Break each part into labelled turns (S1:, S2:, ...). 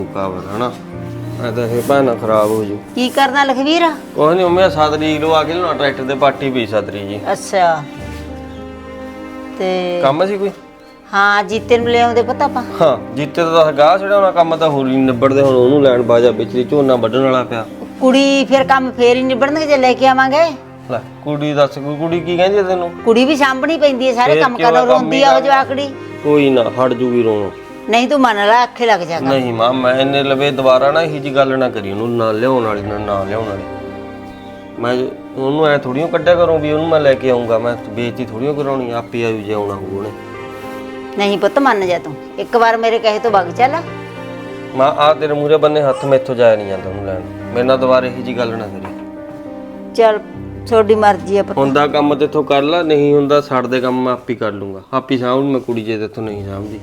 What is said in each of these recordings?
S1: ਕਾਬਰ ਹਨਾ ਮੈਂ ਤਾਂ ਇਹ ਭੈਣਾ ਖਰਾਬ ਹੋ ਜੂ।
S2: ਕੀ ਕਰਨਾ ਲਖਵੀਰ?
S1: ਕੁਛ ਨਹੀਂ ਮੰਮੀ 7 ਤਰੀਕ ਨੂੰ ਆ ਕੇ ਨਾ ਟਰੈਕਟਰ ਤੇ ਪਾਰਟੀ ਪਈ 7 ਤਰੀਕ ਜੀ।
S2: ਅੱਛਾ ਤੇ
S1: ਕੰਮ ਸੀ ਕੋਈ?
S2: ਹਾਂ ਜੀਤੇ ਨੂੰ ਲੈ ਆਉਂਦੇ ਪਤਾ ਆਪਾਂ।
S1: ਹਾਂ ਜੀਤੇ ਦਾ ਤਾਂ ਗਾਹ ਛਡਾਉਣਾ ਕੰਮ ਤਾਂ ਹੋਰ ਹੀ ਨਿਬੜਦੇ ਹੁਣ ਉਹਨੂੰ ਲੈਣ ਬਾਜਾ ਵਿੱਚ ਦੀ ਝੋਨਾ ਵੱਢਣ ਵਾਲਾ ਪਿਆ।
S2: ਕੁੜੀ ਫਿਰ ਕੰਮ ਫੇਰ ਹੀ ਨਿਬੜਨਗੇ ਜੇ ਲੈ ਕੇ ਆਵਾਂਗੇ।
S1: ਲੈ ਕੁੜੀ ਦੱਸ ਕੁੜੀ ਕੀ ਕਹਿੰਦੀ ਆ ਤੈਨੂੰ?
S2: ਕੁੜੀ ਵੀ ਸਾਂਭਣੀ ਪੈਂਦੀ ਹੈ ਸਾਰੇ ਕੰਮ ਕਰਨਾ ਰੋਂਦੀ ਆ ਉਹ ਜਵਾਕੜੀ।
S1: ਕੋਈ ਨਾ ਹਟ ਜੂਗੀ ਰੋਣ।
S2: ਨਹੀਂ ਤੂੰ ਮੰਨ ਲੈ ਅੱਖੇ ਲੱਗ ਜਾਗਾ।
S1: ਨਹੀਂ ਮਾਂ ਮੈਂ ਇਹਨੇ ਲਵੇ ਦੁਬਾਰਾ ਨਾ ਇਹੀ ਜੀ ਗੱਲ ਨਾ ਕਰੀ ਉਹਨੂੰ ਨਾ ਲਿਆਉਣ ਵਾਲੀ ਨਾ ਲਿਆਉਣ ਵਾਲੀ। ਮੈਂ ਉਹਨੂੰ ਐ ਥੋੜੀਓ ਕੱਢਿਆ ਕਰੂੰ ਵੀ ਉਹਨੂੰ ਮੈਂ ਲੈ ਕੇ ਆਉਂਗਾ ਮੈਂ ਬੇਇੱਜ਼ਤੀ ਥੋੜੀਓ ਕਰਾਉਣੀ ਆਪੇ ਆਯੂ ਜੇ ਆਉਣਾ ਹੋਊ ਉਹਨੇ।
S2: ਨਹੀਂ ਪੁੱਤ ਮੰਨ ਜਾ ਤੂੰ ਇੱਕ ਵਾਰ ਮੇਰੇ ਕਹੇ ਤੋਂ ਵਗ ਚੱਲ।
S1: ਮਾਂ ਆ ਤੇਰੇ ਮੂਹਰੇ ਬੰਨੇ ਹੱਥ ਮੈਥੋਂ ਜਾਇਆ ਨਹੀਂ ਜਾਂਦਾ ਉਹਨੂੰ ਲੈਣ। ਮੇਰੇ ਨਾਲ ਦੁਬਾਰਾ ਇਹੀ ਜੀ ਗੱਲ ਨਾ ਕਰੀ।
S2: ਚੱਲ ਤੁਹਾਡੀ ਮਰਜ਼ੀ ਆ ਪੁੱਤ।
S1: ਹੁੰਦਾ ਕੰਮ ਤੇਥੋਂ ਕਰ ਲਾ ਨਹੀਂ ਹੁੰਦਾ ਛੱਡ ਦੇ ਕੰਮ ਮੈਂ ਆਪੇ ਕਰ ਲੂੰਗਾ ਆਪੇ ਸਾਂਭ ਮੈਂ ਕੁੜੀ ਜੇ ਤੇਥੋਂ ਨਹੀਂ ਸਾਂਭਦੀ।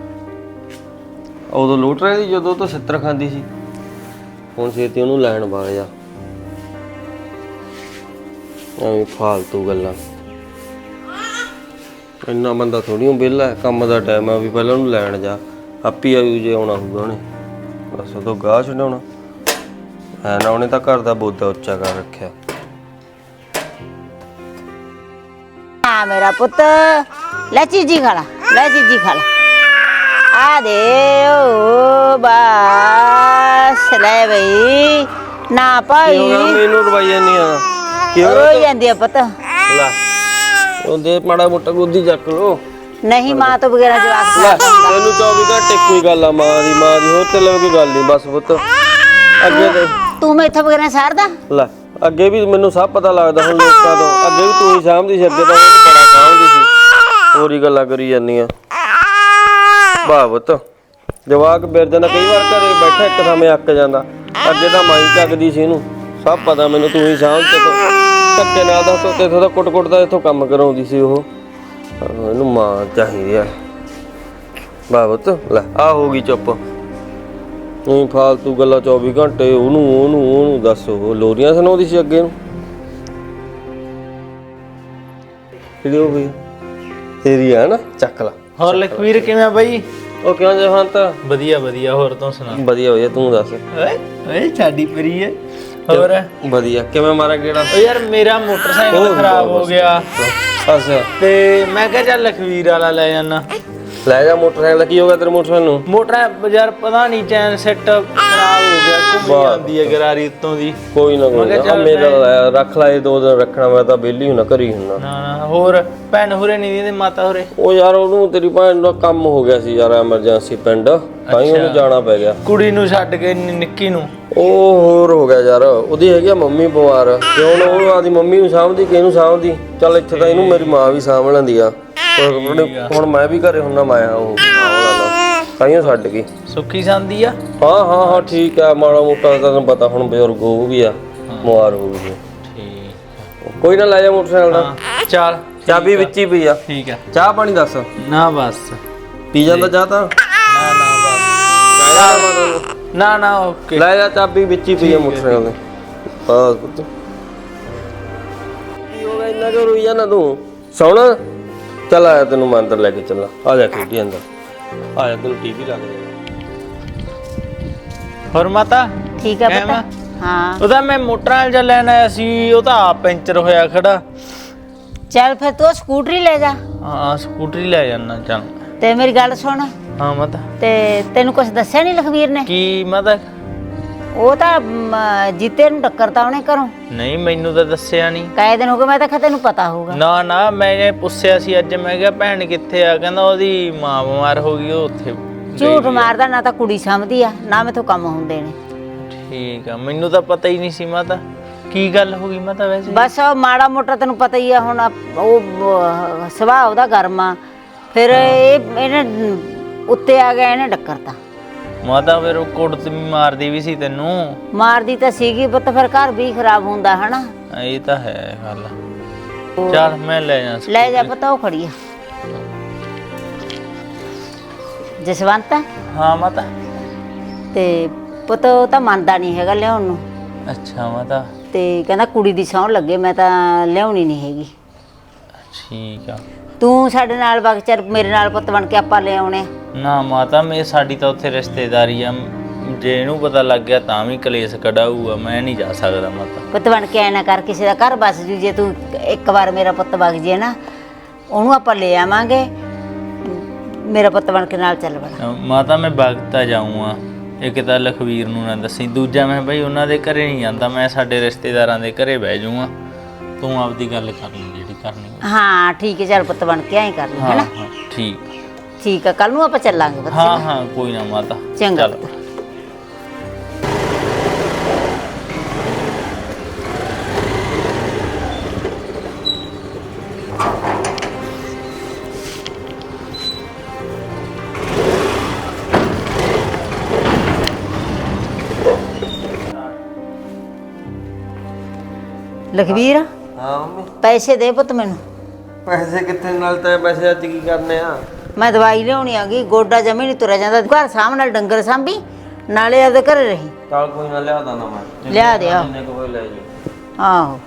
S1: ਉਦੋਂ ਲੁੱਟ ਰਹੀ ਸੀ ਜਦੋਂ ਤੋਂ 70 ਖਾਂਦੀ ਸੀ ਹੁਣ ਛੇਤੀ ਉਹਨੂੰ ਲੈਣ ਵਗ ਜਾ। ਐਵੇਂ ਫਾਲਤੂ ਗੱਲਾਂ। ਇੰਨਾ ਬੰਦਾ ਥੋੜ੍ਹੀ ਵਿਹਲਾ ਕੰਮ ਦਾ ਟਾਈਮ ਆ ਵੀ ਪਹਿਲਾਂ ਉਹਨੂੰ ਲੈਣ ਜਾ ਆਪੇ ਆਯੂ ਜੇ ਆਉਣਾ ਹੋਊਗਾ ਉਹਨੇ ਬਸ ਉਦੋਂ ਗਾਹ ਛਡਾਉਣਾ ਹੈ ਨਾ। ਉਹਨੇ ਤਾਂ ਘਰ ਦਾ ਬੋਦਾ ਉੱਚਾ ਕਰ ਰੱਖਿਆ।
S2: ਹਾਂ ਮੇਰਾ ਪੁੱਤ ਲੈ ਚੀਜੀ ਖਾ ਲਾ ਲੈ ਚੀਜੀ ਖਾ ਲਾ ਆ ਦੇ ਓ ਬਸ ਲੈ ਬਈ ਨਾ ਭਾਈ
S1: ਮੈਨੂੰ ਰਵਾਈਆ ਨਹੀਂ ਆ ਕਿਉਂ
S2: ਰੋਈ ਜਾਂਦੀ ਆ ਪੁੱਤ।
S1: ਲੈ ਉਹਦੇ ਮਾੜਾ ਮੋਟਾ ਗੋਦੀ ਚੱਕ ਲੋ।
S2: ਨਹੀਂ ਮਾਂ ਤੋਂ ਬਗੈਰ ਜਵਾਕ
S1: ਲੈ ਤੈਨੂੰ 24 ਘੰਟੇ ਕੋਈ ਗੱਲ ਆ ਮਾਂ ਦੀ ਹੋਰ ਤੇ ਕੋਈ ਗੱਲ ਨਹੀਂ ਬਸ ਪੁੱਤ ਅੱਗੇ ਤੇ
S2: ਤੂੰ ਮੈਥੋਂ ਬਗੈਰ ਸਾਰਦਾ।
S1: ਲੈ ਅੱਗੇ ਵੀ ਮੈਨੂੰ ਸਭ ਪਤਾ ਲੱਗਦਾ ਹੁਣ ਲੋਕਾਂ ਤੋਂ ਅੱਗੇ ਵੀ ਤੂੰ ਹੀ ਸਾਂਭਦੀ ਸੀ ਅੱਗੇ ਤਾਂ ਉਹਨੂੰ ਬੜਾ ਸਾਂਭਦੀ ਸੀ ਹੋਰ ਹੀ ਗੱਲਾਂ ਕਰੀ ਜਾਂਦੀਆਂ। ਵਾਹ ਪੁੱਤ ਜਵਾਕ ਬਿਰ ਜਾਂਦਾ ਕਈ ਵਾਰ ਘਰੇ ਬੈਠਾ ਇੱਕ ਥਾਂ ਅੱਕ ਜਾਂਦਾ ਅੱਗੇ ਤਾਂ ਮਾਈ ਚੱਕਦੀ ਸੀ ਇਹਨੂੰ ਸਭ ਪਤਾ ਮੈਨੂੰ ਤੂੰ ਹੀ ਸਾਂਭ ਤੇ ਧੱਕੇ ਨਾਲ ਦਾ ਤੋਤੇ ਤੋਂ ਕੁੱਟ ਦਾ ਇੱਥੋਂ ਕੰਮ ਕਰਾਉਂਦੀ ਸੀ ਉਹ ਇਹਨੂੰ ਮਾਂ ਚਾਹੀਦੀ ਆ। ਵਾਹ ਪੁੱਤ ਲੈ ਆ ਹੋ ਗਈ ਚੁੱਪ ਨਹੀਂ ਫਾਲਤੂ ਗੱਲਾਂ 24 ਘੰਟੇ ਉਹਨੂੰ ਦੱਸ ਉਹ ਲੋਰੀਆਂ ਸੁਣਾਉਂਦੀ ਸੀ ਅੱਗੇ ਨੂੰ ਕਿਹੜੀ ਹੋ ਗਈ ਤੇਰੀ ਆ ਨਾ ਚੱਕ ਲਾ।
S3: ਹੋਰ ਲਖਵੀਰ ਕਿਵੇਂ ਬਾਈ?
S1: ਉਹ ਕਿਉਂ ਜਹੰਤ?
S3: ਵਧੀਆ ਵਧੀਆ ਹੋਰ ਤੂੰ ਸੁਣਾ?
S1: ਵਧੀਆ ਤੂੰ ਦੱਸ।
S3: ਓਏ ਓਏ ਸਾਡੀ ਪਰੀ ਹੈ। ਹੋਰ
S1: ਵਧੀਆ ਕਿਵੇਂ ਮਾਰਾ ਗੇੜਾ?
S3: ਓ ਯਾਰ ਮੇਰਾ ਮੋਟਰਸਾਈਕਲ ਖਰਾਬ ਹੋ ਗਿਆ
S1: ਅੱਛਾ
S3: ਤੇ ਮੈਂ ਕਿਹਾ ਚੱਲ ਲਖਵੀਰ ਵਾਲਾ ਲੈ ਜਾਣਾ।
S1: ਲੈ ਜਾ ਮੋਟਰਸਾਈਕਲ ਕੀ ਹੋ ਗਿਆ ਤੇਰੇ ਮੋਟਰਸਾਈਕਲ ਨੂੰ?
S3: ਮੋਟਰ ਯਾਰ ਪਤਾ ਨਹੀਂ ਚੈਨ ਸੈੱਟ ਖਰਾਬ ਹੋ ਗਿਆ ਘੁੰਮ ਜਾਂਦੀ ਹੈ ਗਰਾਰੀ ਉੱਤੋਂ ਦੀ।
S1: ਕੋਈ ਨਾ ਮੇਰਾ ਰੱਖ ਲੈ 2 ਦਿਨ ਰੱਖਣਾ ਮੈਂ ਤਾਂ ਵਿਹਲੀ ਹੁਣਾ ਘਰੀ ਹੁਣਾ।
S3: ਨਾ ਹੋਰ ਭੈਣ ਹੋਰੇ ਨਹੀਂ ਦਿੰਦੇ ਮਾਤਾ ਹੋਰੇ?
S1: ਉਹ ਯਾਰ ਉਹਨੂੰ ਤੇਰੀ ਭੈਣ ਦਾ ਕੰਮ ਹੋ ਗਿਆ ਸੀ ਯਾਰ ਐਮਰਜੈਂਸੀ ਪਿੰਡ ਤਾਂ ਹੀ ਉਹਨੂੰ ਜਾਣਾ ਪੈ ਗਿਆ।
S3: ਕੁੜੀ ਨੂੰ ਛੱਡ ਕੇ ਨਿੱਕੀ ਨੂੰ?
S1: ਉਹ ਹੋਰ ਹੋ ਗਿਆ ਯਾਰ ਉਹਦੀ ਹੈਗੀ ਆ ਮੰਮੀ ਬਿਮਾਰ ਤੇ ਹੁਣ ਉਹ ਆਦੀ ਮੰਮੀ ਨੂੰ ਸਾਂਭਦੀ ਕਿਹਨੂੰ ਸਾਂਭਦੀ। ਚੱਲ ਇੱਥੇ ਤਾਂ ਇਹਨੂੰ ਮੇਰੀ ਮਾਂ ਵੀ ਸਾਂਭ ਲੈਂਦੀ ਆ ਹੁਣ ਮੈਂ ਵੀ ਘਰੇ ਹੁੰਨਾ ਮਾਇਆ ਉਹ ਤਾਈਓ ਛੱਡ ਗਈ।
S3: ਸੁੱਖੀ ਸੰਦੀ ਆ?
S1: ਹਾਂ ਠੀਕ ਆ ਮਾੜਾ ਮੋਟਾ ਤੈਨੂੰ ਪਤਾ ਹੁਣ ਬਜ਼ੁਰਗ ਉਹ ਵੀ ਆ ਬਿਮਾਰ ਹੋ ਗਈ।
S3: ਠੀਕ
S1: ਕੋਈ ਨਾ ਲੈ ਜਾ ਮੋਟਰਸਾਈਕਲ ਦਾ।
S3: ਚੱਲ
S1: ਚਾਬੀ ਵਿੱਚ ਹੀ ਪਈ ਆ।
S3: ਠੀਕ ਆ
S1: ਚਾਹ ਪਾਣੀ ਦੱਸ।
S3: ਨਾ ਬਸ
S1: ਪੀ ਜਾਂਦਾ ਚਾਹ ਤਾਂ
S3: ਨਾ ਓਕੇ
S1: ਲੈ ਜਾ ਚਾਬੀ ਵਿੱਚ ਹੀ ਪਈ ਆ ਮੋਟਰਸਾਈਕਲ ਦੇ। ਬਸ ਪੁੱਤ ਕੀ ਹੋ ਗਿਆ ਇੰਨਾ ਕਿਉਂ ਰੋਈ ਜਾਂਦਾ ਤੂੰ? ਸੌਣਾ ਚੱਲ ਆਇਆ ਤੈਨੂੰ ਮੈਂ ਅੰਦਰ ਲੈ ਕੇ ਚੱਲਾਂ ਆ ਜਾ ਖੇਡੀ ਅੰਦਰ ਆ ਜਾ ਤੈਨੂੰ ਟੀਵੀ ਲੱਗ ਜਾਏਗਾ।
S3: ਹੋਰ ਮਾਤਾ
S2: ਠੀਕ ਆ ਪੁੱਤ। ਹਾਂ
S3: ਉਹਦਾ ਮੈਂ ਮੋਟਰਾਂ ਜਾਂ ਲੈਣ ਆਇਆ ਸੀ ਉਹ ਤਾਂ ਆਪ ਪੈਂਚਰ ਹੋਇਆ ਖੜਾ।
S2: ਚੱਲ ਫਿਰ ਤੂੰ ਸਕੂਟਰੀ ਲੈ ਜਾ।
S3: ਹਾਂ ਸਕੂਟਰੀ ਲੈ ਜਾਣਾ ਚੱਲ।
S2: ਤੇ ਮੇਰੀ ਗੱਲ ਸੁਣ
S3: ਹਾਂ ਮਾਤਾ
S2: ਤੇ ਤੈਨੂੰ ਕੁਝ ਦੱਸਿਆ ਨਹੀਂ ਲਖਵੀਰ ਨੇ?
S3: ਕੀ ਮਾਤਾ?
S2: ਉਹ ਤਾਂ ਜੀਤੇ ਨੂੰ ਟੱਕਰਤਾ ਉਹਨੇ ਘਰੋਂ।
S3: ਨਹੀਂ ਮੈਨੂੰ ਤਾਂ ਦੱਸਿਆ ਨਹੀਂ।
S2: ਕਾਏ ਦਿਨ ਹੋ ਗਏ ਮੈਂ ਤਾਂ ਕਿਹਾ ਤੈਨੂੰ ਪਤਾ ਹੋਊਗਾ।
S3: ਨਾ ਮੈਂ ਪੁੱਛਿਆ ਸੀ ਅੱਜ ਮੈਂ ਕਿਹਾ ਭੈਣ ਕਿੱਥੇ ਆ ਕਹਿੰਦਾ ਉਹਦੀ ਮਾਂ ਬਿਮਾਰ ਹੋ ਗਈ ਉਹ ਉੱਥੇ
S2: ਝੂਠ ਮਾਰਦਾ ਨਾ ਤਾਂ ਕੁੜੀ ਸਮਝਦੀ ਆ ਨਾ ਮੈਥੋਂ ਕੰਮ ਹੁੰਦੇ ਨੇ।
S3: ਠੀਕ ਆ ਮੈਨੂੰ ਤਾਂ ਪਤਾ ਹੀ ਨਹੀਂ ਸੀ ਮਾਤਾ। ਕੀ ਗੱਲ ਹੋ ਗਈ ਮਾਤਾ ਵੈਸੇ?
S2: ਬਸ ਉਹ ਮਾੜਾ ਮੋਟਾ ਤੈਨੂੰ ਪਤਾ ਹੀ ਆ ਹੁਣ ਉਹ ਸੁਭਾਅ ਉਹਦਾ ਗਰਮ ਆ ਫਿਰ ਇਹਨੇ ਉੱਤੇ ਆ ਗਿਆ ਇਹਨੇ ਟੱਕਰਤਾ।
S3: ਮਾਤਾ ਫਿਰ ਉਹ ਕੁੱਟ ਮਾਰਦੀ ਵੀ ਸੀ ਤੈਨੂੰ?
S2: ਮਾਰਦੀ ਤਾਂ ਸੀਗੀ ਪੁੱਤ ਫਿਰ ਘਰ ਵੀ ਖਰਾਬ ਹੁੰਦਾ ਹਨਾ।
S3: ਇਹ ਤਾਂ ਹੈ ਗੱਲ। ਚੱਲ ਮੈਂ ਲੈ
S2: ਜਾ ਪੁੱਤ ਉਹ ਖੜੀ ਆ ਜਸਵੰਤ।
S3: ਹਾਂ ਮਾਤਾ।
S2: ਤੇ ਪੁੱਤ ਉਹ ਤਾਂ ਮੰਨਦਾ ਨਹੀਂ ਹੈਗਾ ਲਿਆਉਣ ਨੂੰ।
S3: ਅੱਛਾ ਮਾਤਾ।
S2: ਤੇ ਕਹਿੰਦਾ ਕੁੜੀ ਦੀ ਸਹੁੰ ਲੱਗੇ ਮੈਂ ਤਾਂ ਲਿਆਉਣੀ ਨਹੀਂ ਹੈਗੀ।
S3: ਠੀਕ ਆ
S2: ਤੂੰ ਸਾਡੇ ਨਾਲ ਵਗ ਚੱਲ ਮੇਰੇ ਨਾਲ ਪੁੱਤ ਬਣ ਕੇ ਆਪਾਂ ਲੈ ਆਉਣੇ।
S3: ਨਾ ਮਾਤਾ ਸਾਡੀ ਤਾਂ ਉੱਥੇ ਰਿਸ਼ਤੇਦਾਰੀ ਆ ਜੇ ਇਹਨੂੰ ਪਤਾ ਲੱਗ ਗਿਆ ਤਾਂ ਵੀ ਕਲੇਸ਼ ਕਢਾਊਗਾ, ਮੈਂ ਨਹੀਂ ਜਾ ਸਕਦਾ ਮਾਤਾ।
S2: ਪੁੱਤ ਬਣ ਕੇ ਐ ਨਾ ਕਰ, ਕਿਸੇ ਦਾ ਘਰ ਬਸ ਜੂ। ਜੇ ਤੂੰ ਇੱਕ ਵਾਰ ਮੇਰਾ ਪੁੱਤ ਵਗ ਜੇ ਨਾ, ਉਹਨੂੰ ਆਪਾਂ ਲੈ ਆਵਾਂਗੇ। ਮੇਰਾ ਪੁੱਤ ਬਣ ਕੇ ਨਾਲ ਚੱਲ ਬਣ।
S3: ਮਾਤਾ ਮੈਂ ਵਗਤਾ ਜਾਊਂਗਾ, ਇੱਕ ਤਾਂ ਲਖਵੀਰ ਨੂੰ ਨਾ ਦੱਸੀ, ਦੂਜਾ ਮੈਂ ਬਈ ਉਹਨਾਂ ਦੇ ਘਰੇ ਨਹੀਂ ਜਾਂਦਾ, ਮੈਂ ਸਾਡੇ ਰਿਸ਼ਤੇਦਾਰਾਂ ਦੇ ਘਰੇ ਬਹਿ ਜਾਊਂਗਾ। ਤੂੰ ਆਪਦੀ ਗੱਲ ਕਰ ਲਈ ਜਿਹੜੀ ਕਰਨੀ ਹੈ।
S2: ਹਾਂ ਠੀਕ ਹੈ, ਚੱਲ ਪੁੱਤ ਬਣ ਕੇ ਐਂ ਕਰ ਲਈ,
S3: ਹਾਂ
S2: ਹੈਨਾ?
S3: ਹਾਂ ਠੀਕ।
S2: ਠੀਕ ਆ, ਕੱਲ ਨੂੰ ਆਪਾਂ ਚੱਲਾਂਗੇ ਪੁੱਤ।
S3: ਹਾਂ ਹਾਂ ਕੋਈ ਨਾ ਮਾਤਾ,
S2: ਚੰਗਾ
S3: ਚੱਲ।
S2: ਪੁੱਤ। ਲਖਵੀਰ
S1: ਹਾਂ ਮੰਮੀ,
S2: ਪੈਸੇ ਦੇ ਪੁੱਤ ਮੈਨੂੰ।
S1: ਪੈਸੇ ਕਿੱਥੇ? ਨਾਲ ਤਾਂ ਪੈਸੇ ਅੱਜ ਕੀ ਕਰਨੇ ਆ?
S2: ਮੈਂ ਦਵਾਈ ਲਿਆਉਣੀ ਆ ਗਈ, ਗੋਡਾ ਜਮੀ ਨਹੀਂ ਤੁਰਿਆ ਜਾਂਦਾ। ਘਰ ਸਾਂਭ ਨਾਲ ਡੰਗਰ ਸਾਂਭੀ, ਨਾਲੇ ਆਪਦੇ ਘਰੇ ਰਹੀ।
S1: ਚੱਲ ਕੋਈ ਨਾ, ਲਿਆ ਦਾਂ ਨਾ ਮੈਂ।
S2: ਲਿਆ ਦੇ ਆ।
S1: ਜਿੰਨੇ ਕੁ ਹੋਏ ਲੈ ਜੀ।
S2: ਆਹੋ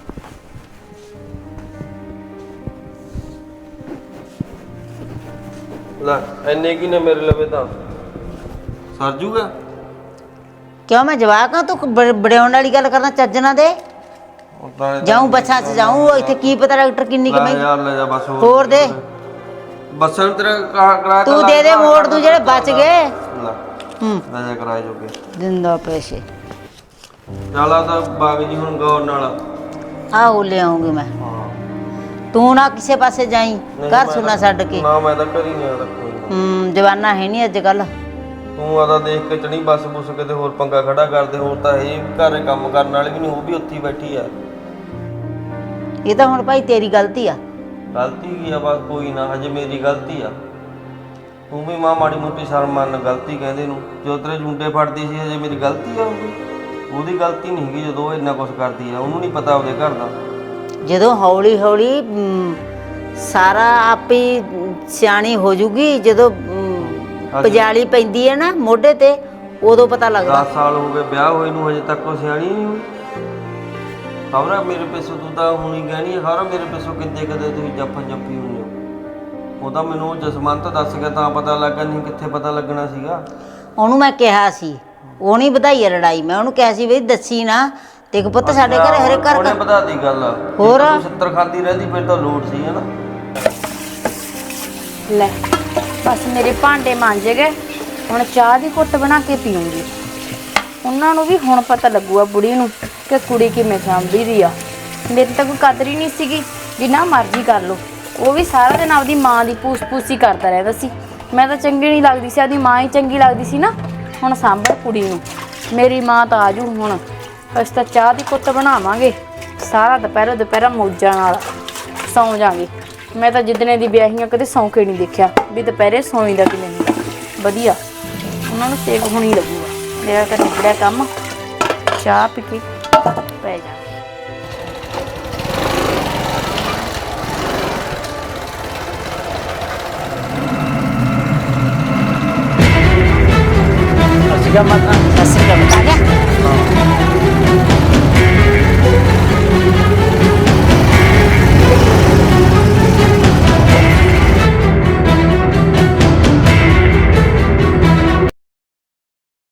S1: ਲੈ ਇੰਨੇ ਕੀ ਨੇ ਮੇਰੇ ਲਵੇ ਤਾਂ ਸਰ ਜੂਗਾ।
S2: ਕਿਉਂ ਮੈਂ ਜਵਾਕ ਆ? ਤੂੰ ਬੜਿਆਉਣ ਵਾਲੀ ਗੱਲ ਕਰਨਾ, ਚੱਜ ਨਾ ਦੇ। ਜਾਊਂ ਬੱਸਾਂ 'ਚ ਜਾਊਂ, ਇੱਥੇ ਕੀ ਪਤਾ ਡਾਕਟਰ ਕਿੰਨੀ
S1: ਲੈ
S2: ਕਮਾਈ।
S1: ਯਾਰ ਲੈ ਜਾ ਬਸ।
S2: ਹੋਰ ਦੇ।
S1: ਬੱਸਾਂ ਨੂੰ ਤੇਰਾ ਕਿਰਾਇਆ
S2: ਤੂੰ ਦੇ ਦੇ, ਮੋੜ ਤੂੰ ਜਿਹੜੇ ਬਚ ਗਏ।
S1: ਲੈ
S2: ਹੂੰ
S1: ਲੈ ਜਾ ਕਿਰਾਏ ਜੋਗੇ।
S2: ਦਿੰਦਾ ਪੈਸੇ।
S1: ਚੱਲ ਆ ਤਾਂ ਬਾਗ ਜੀ ਹੁਣ ਗੌਰ ਨਾਲ।
S2: ਆਹੋ ਲਿਆਉਂਗੀ ਮੈਂ।
S1: ਹਾਂ
S2: ਤੂੰ ਨਾ ਕਿਸੇ ਪਾਸੇ ਜਾਈ, ਘਰ ਸੁਣਾ ਛੱਡ ਕੇ।
S1: ਨਾ ਮੈਂ ਤਾਂ ਘਰੀ ਨਹੀਂ ਆਦਾ ਕੋਈ ਨਾ।
S2: ਜਵਾਨਾ ਹੈ ਨਹੀਂ ਅੱਜ ਕੱਲ।
S1: ਤੂੰ ਆਦਾ ਦੇਖ ਕੇ ਚੜੀ ਬੱਸ ਬੁੱਸ ਕਿਤੇ ਹੋਰ ਪੰਗਾ ਖੜਾ ਕਰਦੇ। ਹੋਰ ਤਾਂ ਇਹ ਘਰੇ ਕੰਮ ਕਰਨ ਵਾਲੀ ਵੀ ਨਹੀਂ, ਉਹ ਵੀ ਉੱਥੇ ਹੀ ਬੈਠੀ ਆ।
S2: ਇਹ ਤਾਂ ਹੁਣ ਭਾਈ ਤੇਰੀ ਗਲਤੀ ਆ।
S1: ਗਲਤੀ ਕੀ ਆ? ਬਸ ਕੋਈ ਨਾ, ਹਜੇ ਮੇਰੀ ਗਲਤੀ ਆ। ਤੂੰ ਵੀ ਮਾਂ ਮਾੜੀ ਮੋਟੀ ਸ਼ਰਮ ਮੰਨ, ਗਲਤੀ ਕਹਿੰਦੇ ਨੂੰ। ਜਦੋਂ ਤੇਰੇ ਜੁੰਡੇ ਫੜਦੀ ਸੀ, ਹਜੇ ਮੇਰੀ ਗਲਤੀ ਆ ਉਹਦੀ ਗਲਤੀ ਨਹੀਂ ਹੈਗੀ ਜਦੋਂ ਉਹ ਇੰਨਾ ਕੁਛ ਕਰਦੀ ਆ। ਉਹਨੂੰ ਨਹੀਂ ਪਤਾ ਉਹਦੇ ਘਰ ਦਾ।
S2: ਜਦੋਂ ਹੌਲੀ ਹੌਲੀ ਸਾਰਾ ਆਪੇ ਸਿਆਣੀ ਹੋ ਜੂਗੀ, ਜਦੋਂ ਪਜਾਲੀ ਪੈਂਦੀ ਹੈ ਨਾ ਮੋਢੇ ਤੇ, ਉਦੋਂ ਪਤਾ ਲੱਗਦਾ।
S1: 10 ਸਾਲ ਹੋ ਗਏ ਵਿਆਹ ਹੋਏ ਨੂੰ, ਹਜੇ ਤੱਕ ਉਹ ਸਿਆਣੀ ਨਹੀਂ ਹੋਈ। ਖਬਰ ਮੇਰੇ ਪਿੱਛੋਂ ਤੂੰ ਤਾਂ ਹੁਣ ਹੀ ਕਹਿਣੀ ਹੈ, ਖਬਰ ਮੇਰੇ ਪਿੱਛੋਂ ਕਿੱਦੇ ਕਦੇ ਤੁਸੀਂ ਜੱਫਾ ਜੱਫੀ ਹੁੰਦੇ ਹੋ। ਉਹ ਤਾਂ ਮੈਨੂੰ ਜਸਮੰਤ ਦੱਸ ਗਿਆ ਤਾਂ ਪਤਾ ਲੱਗਾ, ਨਹੀਂ ਕਿੱਥੇ ਪਤਾ ਲੱਗਣਾ ਸੀਗਾ।
S2: ਉਹਨੂੰ ਮੈਂ ਕਿਹਾ ਸੀ, ਉਹ ਨਹੀਂ ਵਧਾਈ ਆ ਲੜਾਈ। ਮੈਂ ਉਹਨੂੰ ਕਿਹਾ ਸੀ ਵੀ ਦੱਸੀ ਨਾ, ਤੇ ਪੁੱਤ ਸਾਡੇ ਘਰੇ ਹਰੇ ਘਰ
S1: ਉਹਨੇ ਵਧਾ ਦੀ ਗੱਲ।
S2: ਹੋਰ?
S1: ਤੂੰ 70 ਖਾਂਦੀ ਰਹਿੰਦੀ ਫਿਰ ਤਾਂ ਲੋੜ ਸੀ, ਹੈ ਨਾ?
S4: ਲੈ ਬਸ ਮੇਰੇ ਭਾਂਡੇ ਮਾਂਜੇ ਗਏ, ਹੁਣ ਚਾਹ ਦੀ ਘੁੱਟ ਬਣਾ ਕੇ ਪੀਉਂਗੀ। ਉਹਨਾਂ ਨੂੰ ਵੀ ਹੁਣ ਪਤਾ ਲੱਗੂਗਾ ਬੁੜੀ ਨੂੰ ਕਿ ਕੁੜੀ ਕਿਵੇਂ ਸਾਂਭੀ ਦੀ ਆ। ਮੇਰੀ ਤਾਂ ਕੋਈ ਕਦਰ ਹੀ ਨਹੀਂ ਸੀਗੀ, ਜਿੰਨਾ ਮਰਜ਼ੀ ਕਰ ਲਓ। ਉਹ ਵੀ ਸਾਰਾ ਦਿਨ ਆਪਦੀ ਮਾਂ ਦੀ ਪੂਸ-ਪੂਸ ਹੀ ਕਰਦਾ ਰਹਿੰਦਾ ਸੀ। ਮੈਂ ਤਾਂ ਚੰਗੀ ਨਹੀਂ ਲੱਗਦੀ ਸੀ, ਆਪਦੀ ਮਾਂ ਹੀ ਚੰਗੀ ਲੱਗਦੀ ਸੀ ਨਾ। ਹੁਣ ਸਾਂਭਰ ਕੁੜੀ ਨੂੰ, ਮੇਰੀ ਮਾਂ ਤਾਂ ਆਜੂ। ਹੁਣ ਅਸੀਂ ਤਾਂ ਚਾਹ ਦੀ ਘੁੱਟ ਬਣਾਵਾਂਗੇ, ਸਾਰਾ ਦੁਪਹਿਰਾ ਮੌਜਾਂ ਨਾਲ ਸੌਂ ਜਾਵਾਂਗੇ। ਮੈਂ ਤਾਂ ਜਿੱਦਣੇ ਦੀ ਵਿਆਹੀਆਂ ਕਦੇ ਸੌਂ ਕੇ ਨਹੀਂ ਦੇਖਿਆ ਵੀ ਦੁਪਹਿਰੇ ਸੌਂ ਦਾ ਕਿਵੇਂ ਹੁੰਦਾ। ਵਧੀਆ ਉਹਨਾਂ ਨੂੰ ਸੇਕ ਹੋਣੀ ਲੱਗੂਗਾ। ਮੇਰਾ ਤਾਂ ਨਿਕਲਿਆ ਕੰਮ, ਚਾਹ ਪੀ ਕੇ ਪੈ ਜਾ।
S3: ਅਸੀਂ ਕਾ ਮਾਤਾ
S2: ਸਤਿ ਸ਼੍ਰੀ ਅਕਾਲ।